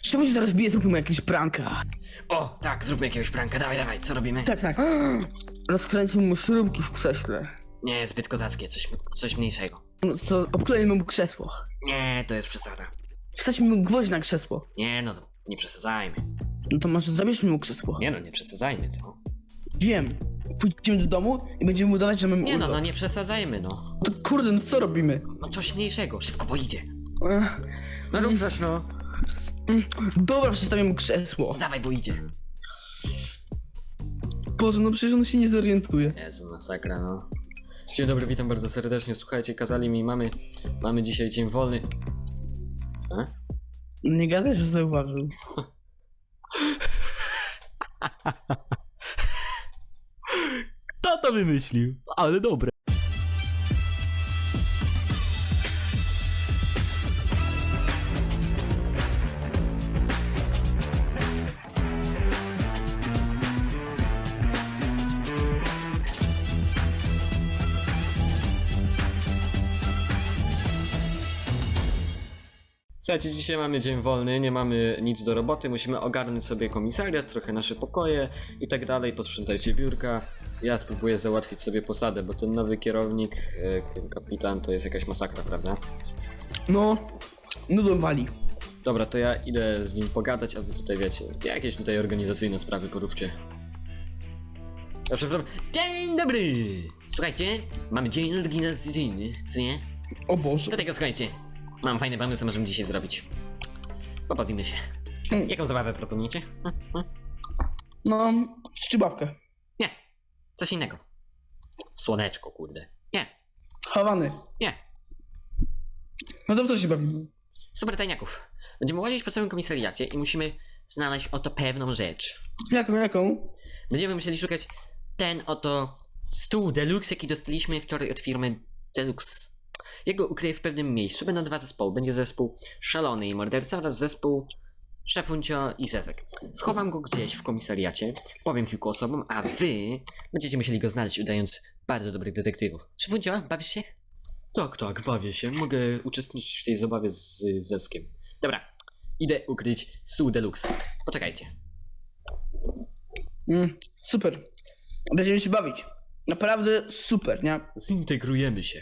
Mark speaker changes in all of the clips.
Speaker 1: Czemu się zaraz bije, zróbmy jakiegoś pranka.
Speaker 2: O, tak, zróbmy jakiegoś pranka, dawaj, co robimy?
Speaker 1: Tak, tak. Rozkręcimy mu śrubki w krześle.
Speaker 2: Nie, zbyt kozackie, coś mniejszego.
Speaker 1: No to obklejmy mu krzesło.
Speaker 2: Nie, to jest przesada.
Speaker 1: Wstawimy mu gwoźdź na krzesło.
Speaker 2: Nie no, nie przesadzajmy.
Speaker 1: No to może zabierzmy mu krzesło.
Speaker 2: Nie no, nie przesadzajmy, co?
Speaker 1: Wiem. Pójdziemy do domu i będziemy udawać, że mamy
Speaker 2: Nie no,
Speaker 1: urlop.
Speaker 2: nie przesadzajmy, no.
Speaker 1: To kurde, no co robimy?
Speaker 2: No coś mniejszego, szybko, bo idzie.
Speaker 1: Ech,
Speaker 2: No rób coś, no.
Speaker 1: Dobra, przestawię mu krzesło.
Speaker 2: Dawaj, bo idzie.
Speaker 1: Boże, no przecież on się nie zorientuje.
Speaker 2: Jezu, masakra, no. Dzień dobry, witam bardzo serdecznie. Słuchajcie, kazali mi, mamy dzisiaj dzień wolny. A?
Speaker 1: Nie gadaj, że zauważył.
Speaker 2: Kto to wymyślił? Ale dobre. Słuchajcie, dzisiaj mamy dzień wolny, nie mamy nic do roboty, musimy ogarnąć sobie komisariat, trochę nasze pokoje i tak dalej, posprzątajcie biurka. Ja spróbuję załatwić sobie posadę, bo ten nowy kierownik, kapitan, to jest jakaś masakra, prawda?
Speaker 1: No, nudą wali.
Speaker 2: Dobra, to ja idę z nim pogadać, a wy tutaj wiecie, jakieś tutaj organizacyjne sprawy poróbcie. Ja przepraszam. Dzień dobry! Słuchajcie, mamy dzień organizacyjny, co nie?
Speaker 1: O Boże.
Speaker 2: Dlatego słuchajcie, mam fajny pomysł, co możemy dzisiaj zrobić. Pobawimy się. Jaką zabawę proponujecie?
Speaker 1: No, czczybawkę.
Speaker 2: Nie, coś innego. Słoneczko, kurde. Nie,
Speaker 1: Hawany.
Speaker 2: nie.
Speaker 1: No to w co się bawimy?
Speaker 2: Super tajniaków. Będziemy łazić po całym komisariacie i musimy znaleźć oto pewną rzecz.
Speaker 1: Jaką?
Speaker 2: Będziemy musieli szukać ten oto stół deluxe, jaki dostaliśmy wczoraj od firmy Deluxe. Jego ukryję w pewnym miejscu. Będą dwa zespoły. Będzie zespół Szalony i Morderca oraz zespół Szefuncio i Zezek. Schowam go gdzieś w komisariacie, powiem kilku osobom, a wy będziecie musieli go znaleźć, udając bardzo dobrych detektywów. Szefuncio, bawisz się? Tak, bawię się. Mogę uczestniczyć w tej zabawie z Zeskiem. Dobra, idę ukryć stół deluxe. Poczekajcie.
Speaker 1: Super. Będziemy się bawić. Naprawdę super, nie?
Speaker 2: Zintegrujemy się.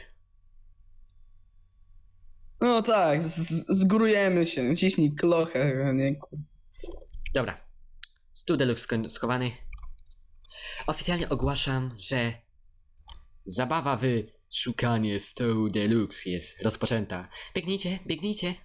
Speaker 1: No tak, zgórujemy się. Ciśnij klochę, nie?
Speaker 2: Dobra. Stół deluxe schowany. Oficjalnie ogłaszam, że zabawa w szukanie stołu deluxe jest rozpoczęta. Biegnijcie.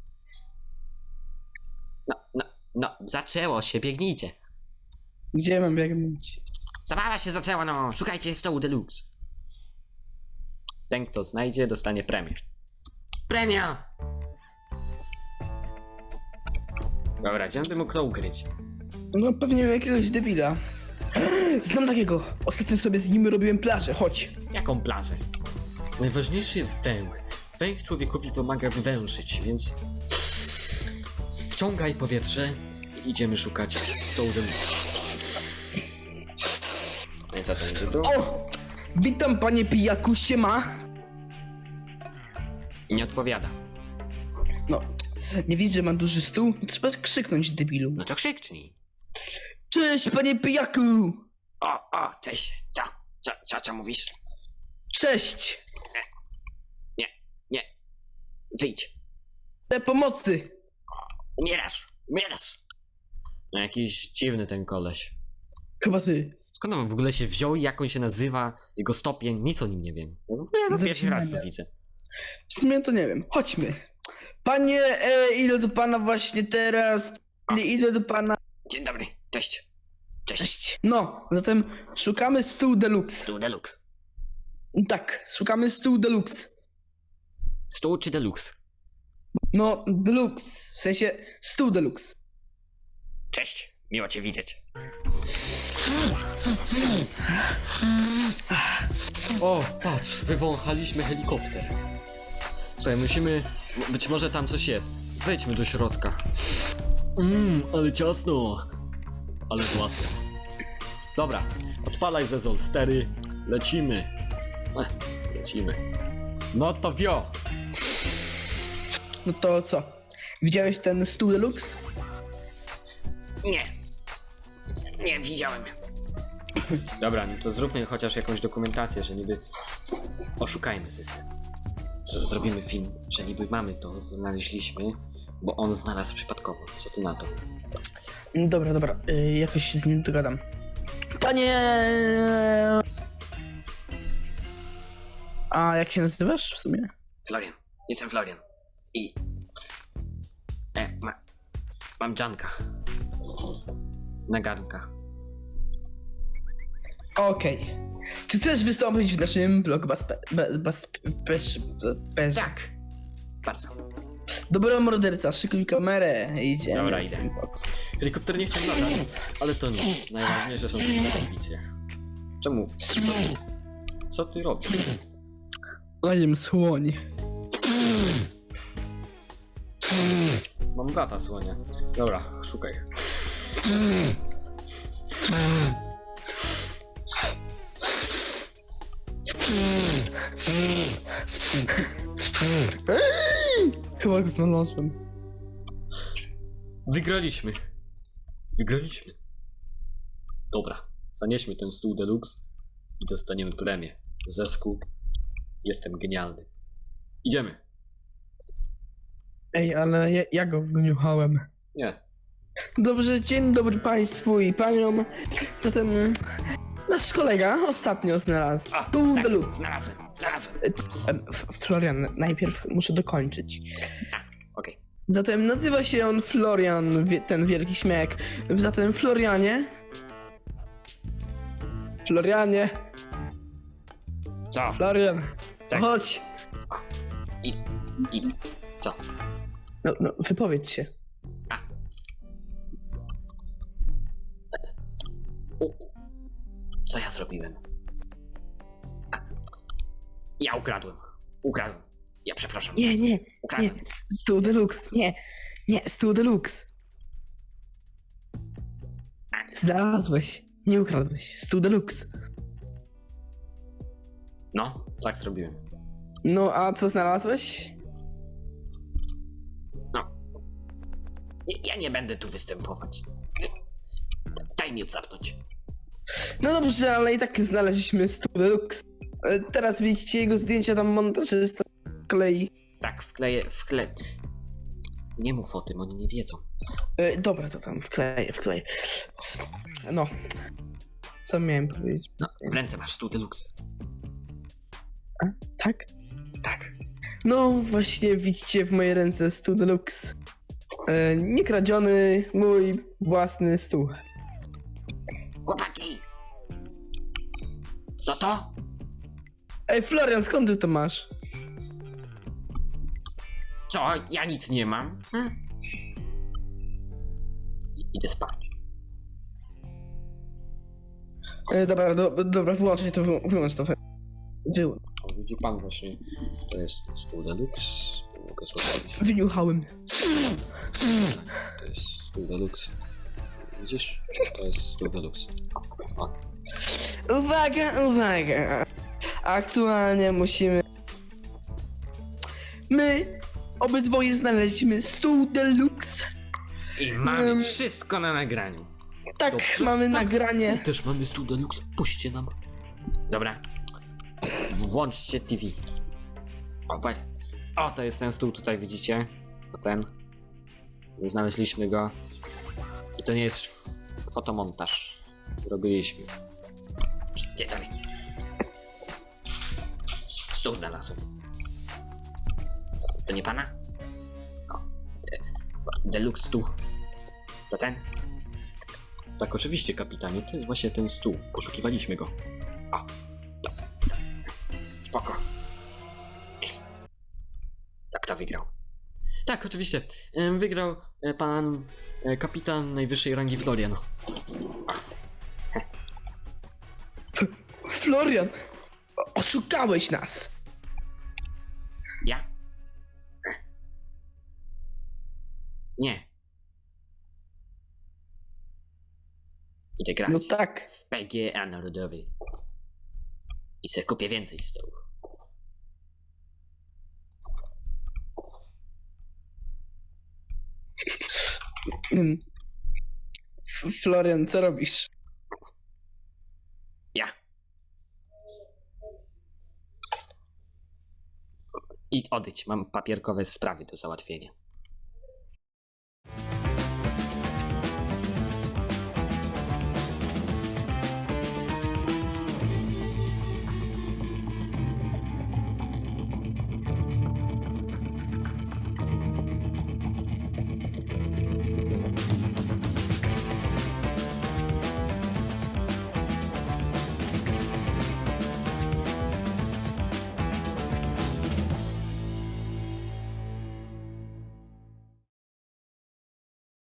Speaker 2: No, zaczęło się, biegnijcie.
Speaker 1: Gdzie mam biegnąć?
Speaker 2: Zabawa się zaczęła, no, szukajcie stołu deluxe. Ten, kto znajdzie, dostanie premię. Premia! Dobra, gdzie by mógł to ukryć?
Speaker 1: No pewnie jakiegoś debila. Znam takiego. Ostatnio sobie z nim robiłem plażę, chodź.
Speaker 2: Jaką plażę? Najważniejszy jest węch. Węch człowiekowi pomaga wywęszyć, więc wciągaj powietrze i idziemy szukać stołu deluxe. No i co to będzie tu?
Speaker 1: O! Witam panie pijaku, siema.
Speaker 2: I nie odpowiada.
Speaker 1: No, nie widzisz, że ma duży stół? No, trzeba krzyknąć, debilu.
Speaker 2: No to krzyknij.
Speaker 1: Cześć panie pijaku!
Speaker 2: O, cześć. Co mówisz?
Speaker 1: Cześć!
Speaker 2: Nie. Wyjdź.
Speaker 1: Te pomocy!
Speaker 2: Umierasz. No jakiś dziwny ten koleś.
Speaker 1: Chyba ty.
Speaker 2: Skąd on w ogóle się wziął i jak on się nazywa, jego stopień, nic o nim nie wiem. Ja go pierwszy raz tu widzę.
Speaker 1: W sumie to nie wiem. Chodźmy. Panie, idę do pana właśnie teraz. Idę do pana.
Speaker 2: Dzień dobry, cześć.
Speaker 1: Cześć. No, zatem szukamy stół deluxe.
Speaker 2: Stół deluxe.
Speaker 1: Tak, szukamy stół deluxe.
Speaker 2: Stół czy deluxe?
Speaker 1: No, deluxe. W sensie stół deluxe.
Speaker 2: Cześć, miło cię widzieć. O, patrz, wywąchaliśmy helikopter. Słuchaj, musimy... Być może tam coś jest. Wejdźmy do środka. Ale ciasno. Ale własne. Dobra, odpalaj Zezol stery. Lecimy. Lecimy. No to wio.
Speaker 1: No to co? Widziałeś ten stół deluxe?
Speaker 2: Nie. Nie, widziałem. Dobra, no to zróbmy chociaż jakąś dokumentację, że niby oszukajmy system. Zrobimy film, że niby mamy to, znaleźliśmy, bo on znalazł przypadkowo. Co ty na to?
Speaker 1: Dobra, jakoś się z nim dogadam. Panie... A jak się nazywasz w sumie?
Speaker 2: Florian. Jestem Florian. I... mam Janka. Na garnkach.
Speaker 1: Okej. Czy chcesz wystąpić w naszym blockbusterze?
Speaker 2: Tak. Bardzo.
Speaker 1: Dobra, morderca, szykuj kamerę. Idziemy.
Speaker 2: Dobra,
Speaker 1: z
Speaker 2: idę.
Speaker 1: tym.
Speaker 2: Helikopter nie chciał latać, ale to nic. Najważniejsze są te ambicje. Czemu? Co ty robisz?
Speaker 1: Łajem słoń.
Speaker 2: Mam brata słonia. Dobra, szukaj.
Speaker 1: Chyba go znalazłem.
Speaker 2: Wygraliśmy. Wygraliśmy. Dobra, zanieśmy ten stół deluxe i dostaniemy premię. Zespół. Jestem genialny. Idziemy.
Speaker 1: Ej, ale ja go wyniuchałem.
Speaker 2: Nie.
Speaker 1: Dobrze, dzień dobry państwu i paniom. Zatem nasz kolega ostatnio znalazł tu deluxe.
Speaker 2: Znalazłem.
Speaker 1: Florian, najpierw muszę dokończyć.
Speaker 2: Okej.
Speaker 1: Zatem nazywa się on Florian, ten wielki śmiech. Zatem Florianie. Florianie,
Speaker 2: Co?
Speaker 1: Florian,
Speaker 2: Tak.
Speaker 1: chodź.
Speaker 2: Idę. Co?
Speaker 1: No, wypowiedz się.
Speaker 2: Co ja zrobiłem? Ja ukradłem. Ja przepraszam.
Speaker 1: Nie,
Speaker 2: Ukradłem.
Speaker 1: stół deluxe, nie, stół deluxe. Znalazłeś, nie ukradłeś, stół deluxe.
Speaker 2: No, tak zrobiłem.
Speaker 1: No, a co znalazłeś?
Speaker 2: Ja nie będę tu występować. Daj mi odsapnąć.
Speaker 1: No dobrze, ale i tak znaleźliśmy stół deluxe. Teraz widzicie jego zdjęcia, tam montażysta klei.
Speaker 2: Tak, wkleję. Nie mów o tym, oni nie wiedzą.
Speaker 1: Dobra, to tam wkleję. No. Co miałem powiedzieć?
Speaker 2: No, w ręce masz stół deluxe.
Speaker 1: Tak?
Speaker 2: Tak.
Speaker 1: No właśnie widzicie w mojej ręce stół deluxe. Niekradziony, mój własny stół.
Speaker 2: Chłopaki! Co to?
Speaker 1: Ej, Florian, skąd ty to masz?
Speaker 2: Co? Ja nic nie mam. Idę spać.
Speaker 1: Dobra, wyłączaj to, wyłącz to. Wyłącz.
Speaker 2: O, widzi pan właśnie, to jest stół deluxe. Mogę złożyć.
Speaker 1: Wyniuchałem.
Speaker 2: To jest stół deluxe. Widzisz? To jest stół deluxe. O.
Speaker 1: Uwaga. Aktualnie musimy... My obydwoje znaleźliśmy stół deluxe.
Speaker 2: I mamy wszystko na nagraniu.
Speaker 1: Tak,
Speaker 2: Dobrze,
Speaker 1: mamy
Speaker 2: tak.
Speaker 1: nagranie.
Speaker 2: Też mamy stół deluxe. Puśćcie nam. Dobra. Włączcie TV. O, patrz. O, to jest ten stół tutaj, widzicie? To ten. Znaleźliśmy go. I to nie jest fotomontaż. Robiliśmy. Gdzie dalej? Stół znalazłem. To nie pana? O. Deluxe stół. To ten? Tak, oczywiście, kapitanie. To jest właśnie ten stół. Poszukiwaliśmy go. O. Spoko. Tak, kto wygrał? Tak, oczywiście. Wygrał pan kapitan najwyższej rangi Florian.
Speaker 1: Florian, oszukałeś nas.
Speaker 2: Ja? Nie. Idę grać
Speaker 1: No tak.
Speaker 2: w PGA Narodowy. I se kupię więcej stołów.
Speaker 1: Florian, co robisz?
Speaker 2: Ja. I odejdź, mam papierkowe sprawy do załatwienia.